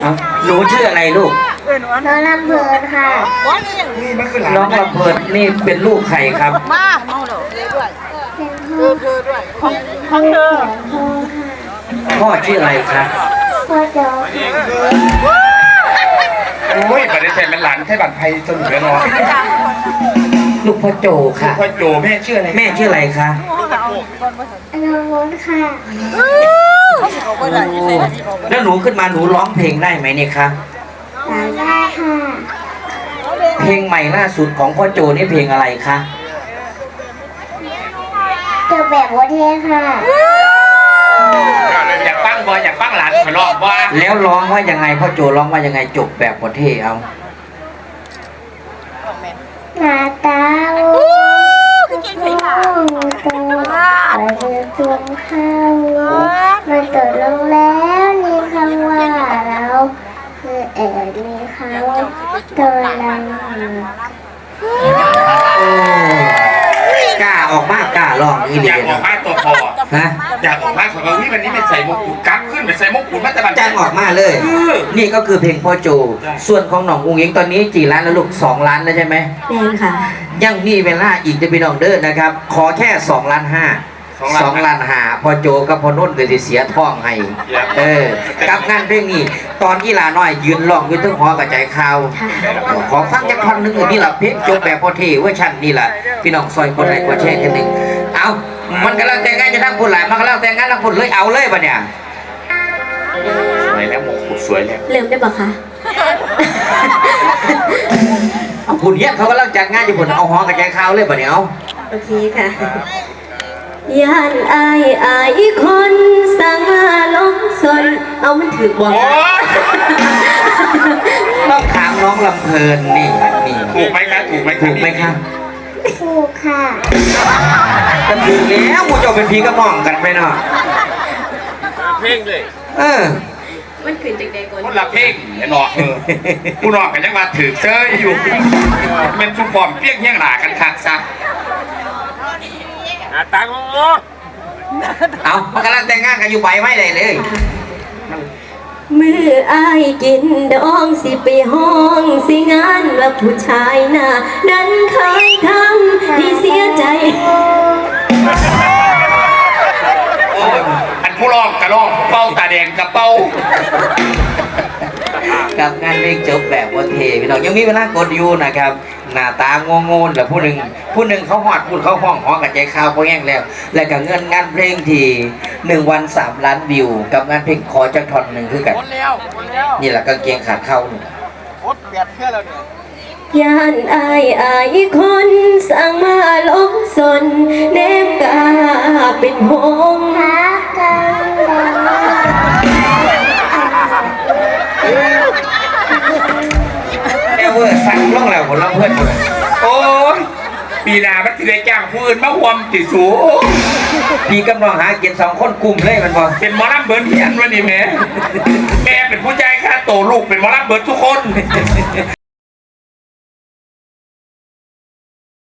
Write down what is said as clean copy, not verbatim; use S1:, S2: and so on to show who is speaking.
S1: เอาหนูชื่ออะไรลูก
S2: น้องลำเพลินค่ะ
S3: นี่มันคือหลาน
S1: น้องลำเพลินนี่เป็นลูกใครครับ
S4: มาเมาเด้อด้วย
S2: เป็นพ่อ
S4: เธอด้วยของเธอ
S2: พ่อค่ะ
S1: พ่อชื่ออะไรครับ
S2: พ่อโจ๊ก
S3: โอ้ยบัตรเซ็นเป็นหลานแค่บัตรไทยจนเหลือน้อย
S1: ลูกพ่อโจค่ะ
S3: พ่อโจแม่ชื่ออะไร
S1: แม่ชื่ออะไรคะ
S2: น้องวุ้นค่ะ
S1: แล้วหนูขึ้นมาหนูร้องเพลงได้ไหมเนี่ยคะ
S2: ร้องได้ค่ะ
S1: เพลงใหม่ล่าสุดของพ่อโจนี่เพลงอะไรคะ
S2: เจอแบบวัเทค่ะ
S3: อยากปั้งบอยอยากปั้งหลานขอร้องว่า
S1: แล้วร้องว่ายังไงพ่อโจร้องว่ายังไงจบแบบประเทศเอา
S2: หน้าตาลูกตัวไปเรือจวงข้าวมันตกลงแล้วมีคำว่าเราคือแอบมีคำว่าตัวเรา
S1: กล้าออกมากกล้าร้องอี
S3: อ
S1: เดี
S3: ยาก
S1: ย
S3: ออกมาตัวพอ
S1: ฮะ
S3: อยากออกมาของเราวันนี้เป็นใส่มงกุฎกั๊กขึ้นเป็นใส่มงกุฎมาตะบัน
S1: จ้างออกมาเลย นี่ก็คือเพลงพ่อโจ ส่วนของหนองอุ้งอิงตอนนี้กี่ล้านแล้วลูก2 ล้านแล้วใช่ไหม
S2: แดงค่ะ
S1: ยังมีเวลาอีกจะพี่น้องเด้อนะครับ ขอแค่2 ล้าน 5 2 ล้านหาพอโจกับพอนุ่นก็จะเสียท้องให้กับงานเพลงนี้ตอนกีฬาน้อยยืนร้องอยู่ทั้งหอกระจายข่าวขอฟังจักท่อนหนึงนี่แหละเพลงจบแบบพอเทเวอร์ชันนี่แหละพี่น้องซอยคนไหนกว่าแช่กันหนึ่งเอามันกำลังแต่งงานจะทั้งคนหลายมันกำลังแต่งงานทั้งคนเลยเอาเลยปะเนี่ย
S3: สวยแล้วมงกุฎสวยแล้ว
S2: เริ่มได้ปะคะ
S1: คุณเนี้ยเขากำลังจัดงานอยู่บนเอาหอกระจายข่าวเลยปะเนี่ยเอา
S2: โอเคค่ะย่านอายคนสั่งมาลงสนเอามันถือบ่
S3: โอ้ย
S1: ต้องถามน้องลำเพลินนี่
S3: ถูกไหมคะถูกไหม
S1: ถูกไหมคะ
S2: ถูกค่ะ
S1: ก็ถูกแล้วมูเจะเป็นพีกระหม่อมกันไปเนาะ
S3: เพลงเลย
S1: เออ
S2: มันขืนจากใดก่อน
S3: คนละเพลงไอ้หนอกกูหนอกกันยังมาถือเจออยู่เป็นชุมพรเปียกเงี้ยงหนากันคักซะตังโอ้
S1: เอามันกำลังแต่งงานกันอยู่ใบไม่ได้เลย
S2: มืออายกินดองสิไปห้องสิงานว่าผู้ชายหน้านั้นเคยทำที่เสียใจ
S3: อันผู้ร้องกระร้องเป้าตาแดงกระเป้า
S1: กับงานเพลงจบแบบวันเทพี่น้องยังมีเวลากดอยู่นะครับหน้าตางงงๆแต่ผู้หนึ่งเขาหอดพูดเขาห้องหอกับใจข่าวพอแห้งแล้ว และกับเงินงานเพลงที่1 วัน3 ล้านวิว กับงานเพลงขอจักท่อนหนึ่งคือกันนี่แหละกางเกงขาดเข้านี่
S2: ย่านอายคนสั่งมาลงสนเนมกาเป็นหงรักกัน
S1: เอเวอร์สั่งล่องแล้วผลลัพธ์เพื่อนเลย
S3: โอ้ยปีหน้ามันจะได้จ้างผู้อื่นมาหวมติดสู
S1: พี่กำลังหาเกียรติ2 คนกลุ่มเลยมันบอก
S3: เป็นหมอลำเบิร์ดเฮียนวันนี้แม่เป็นผู้ใจค่าโตลูกเป็นหมอลำเบิร์ดทุกคน